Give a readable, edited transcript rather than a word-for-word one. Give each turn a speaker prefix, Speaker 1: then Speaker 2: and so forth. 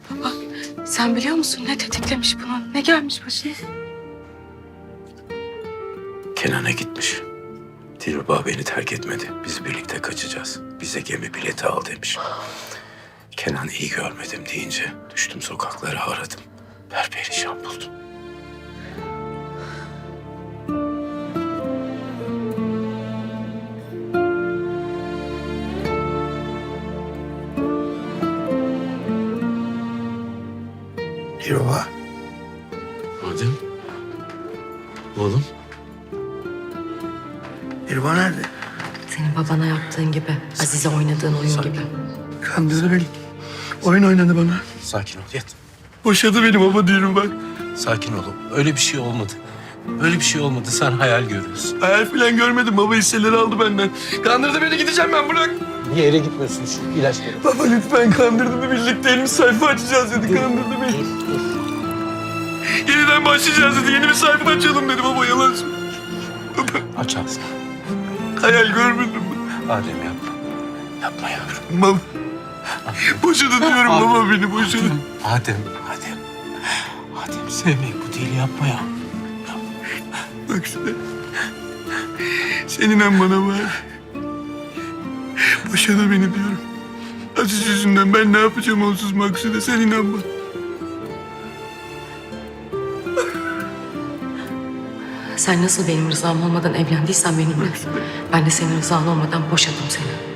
Speaker 1: Baba, sen biliyor musun ne tetiklemiş bunu? Ne gelmiş başına?
Speaker 2: Kenan'a gitmiş. Dilruba beni terk etmedi. Biz birlikte kaçacağız. Bize gemi bileti al demiş. Kenan iyi görmedim deyince düştüm sokaklara aradım. Perperişan buldum.
Speaker 3: Dilruba.
Speaker 2: Adem. Oğlum.
Speaker 3: Dilruba nerede?
Speaker 1: Senin babana yaptığın gibi, Azize oynadığın oyun gibi.
Speaker 3: Kandırdı beni. Oyun oynadı bana.
Speaker 2: Sakin ol yat.
Speaker 3: Boşadı beni baba Dilruba.
Speaker 2: Sakin ol. Öyle bir şey olmadı. Öyle bir şey olmadı. Sen hayal görüyorsun.
Speaker 3: Hayal falan görmedim. Baba hisseleri aldı benden. Kandırdı beni, gideceğim ben, bırak.
Speaker 2: Bir yere gitmiyorsun, şu ilaçları.
Speaker 3: Baba lütfen, kandırdı mı, birlikte elimiz sayfa açacağız dedi. Kandırdı beni. Yeniden başlayacağız dedi. Yeni bir sayfa açalım dedi baba, yalan söylüyor.
Speaker 2: Aç ağzını.
Speaker 3: Hayal görmedim mi?
Speaker 2: Adem yapma. Yapma yavrum.
Speaker 3: Baba. Boşadı diyorum baba, beni boşadı.
Speaker 2: Adem. Adem sevmeyi bu değil, yapma ya.
Speaker 3: Bak şuna. Sen inan bana var. Boşadı beni diyorum. Aziz yüzünden ben ne yapacağım onsuz Maksude, sen inan bana.
Speaker 1: Sen nasıl benim rızam olmadan evlendiysen benimle, ben de senin rızan olmadan boşadım seni.